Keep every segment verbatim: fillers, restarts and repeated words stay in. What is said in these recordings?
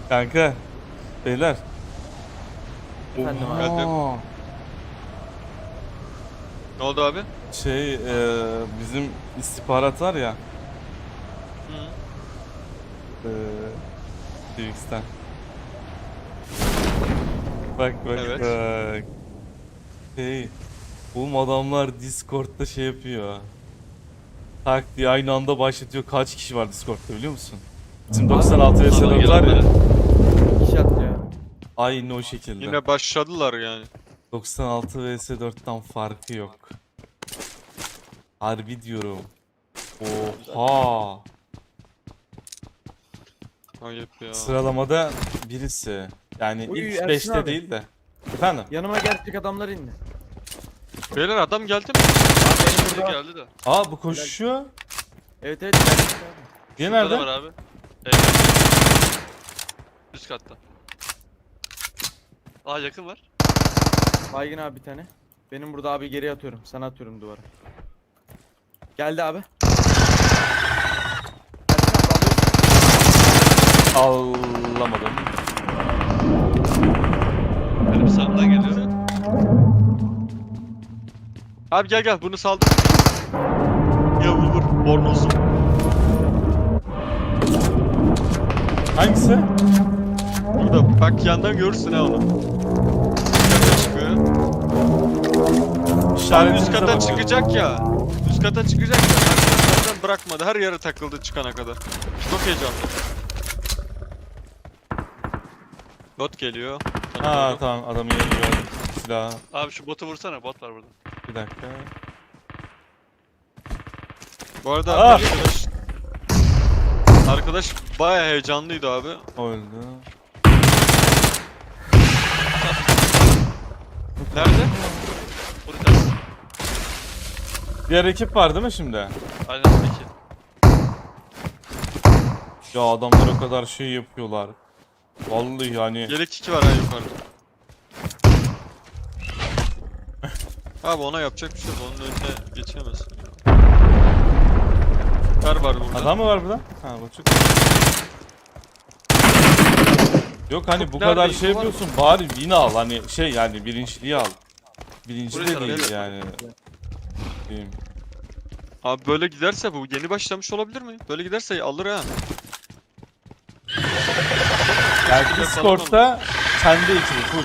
Kanka. Beyler. Efendim abi. Geldim. Aa, Ne oldu abi? Şey e, bizim istihbarat var ya. Hı. E, Twix'ten. Bak bak Evet. bak. Şey. Bu adamlar Discord'da şey yapıyor. Tak diye aynı anda başlatıyor. Kaç kişi var Discord'da biliyor musun? Bizim doksan altı vs Sana dört var ya. gelenlere. Kişi atlıyor. Aynı o şekilde. Yine başladılar yani. doksan altı vs dörtten farkı yok. Harbi diyorum. Oha. Ayıp ya. Sıralamada birisi. Yani Uy, ilk Ersin beşte abi. değil de. Efendim? Yanıma gerçek adamlar indi. Beyler adam geldi mi? Abi benim burada- geldi de. Aa bu koşuyor. Evet evet. gerçek abi. Diye Şurada da nerede? var abi. Evet. Üst katta. Aa yakın var. Baygın abi bir tane. Benim burada abi geri atıyorum. Sana atıyorum duvara. Geldi abi. Ersin abi alıyorsun. Alamadım. Benim sağımdan geliyor. Abi gel gel bunu saldım. Ya vur vur. Bornozum. Hangisi? Burada bak yandan görürsün ha onu. Üst kata çıkıyor. Abi üst İşaretinize kata bakın. çıkacak ya. Üst kata çıkacak ya. Arkadaşlardan bırakmadı. Her yere takıldı çıkana kadar. Çok heyecanlı. Bot geliyor. Sana Ha doğru. tamam adamı yeni gördüm. Silah. Abi şu botu vursana, bot var burada. Bir dakika. Bu arada Ah! arkadaş Arkadaş bayağı heyecanlıydı abi. Öldü. Nerede? O bir tanesi. Diğer ekip var değil mi şimdi? Aynen peki. Ya adamlar o kadar şey yapıyorlar. Vallahi yani. Yelek iki var ha yukarıda. Abi ona yapacak bir şey yok. Onun önüne geçemezsin ya. Kar var burada. Adam mı var burada? Ha bu çok. Yok hani Çok bu kadar nerede şey info var mı? yapıyorsun bari win al hani şey yani birinciliği al. Birinci Burayı de tarafı değil evet. yani. Diyeyim. Abi böyle giderse bu yeni başlamış olabilir mi? Böyle giderse alır ha. Yani Yapalım Discord'da kendi ekibi full.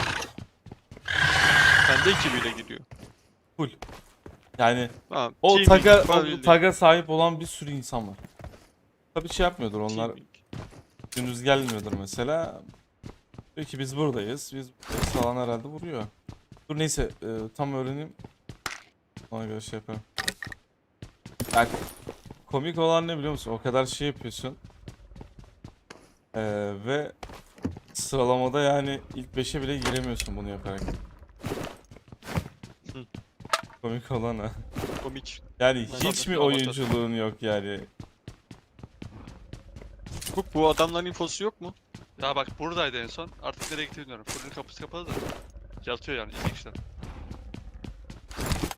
Kendi ekibiyle gidiyor. Full. Yani Ha, o teaming taga var o bildiğin. taga sahip olan bir sürü insan var. Tabii şey yapmıyordur onlar. Teaming. Gündüz gelmiyordur mesela. Diyor ki biz buradayız. Biz buradayız falan herhalde vuruyor. Dur neyse e, tam öğreneyim. Ona göre şey yaparım. Yani komik olan ne biliyor musun? O kadar şey yapıyorsun. Ee, ve sıralamada yani ilk beşe bile giremiyorsun bunu yaparak. Hı. Komik olan o. Komik. Yani Aynen. hiç mi Amatör. oyunculuğun yok yani? Bu, bu adamların infosu yok mu? Ya bak buradaydı en son. Artık nereye gitti bilmiyorum. Fırının kapısı kapalı da. Yatıyor yani iki kişiden.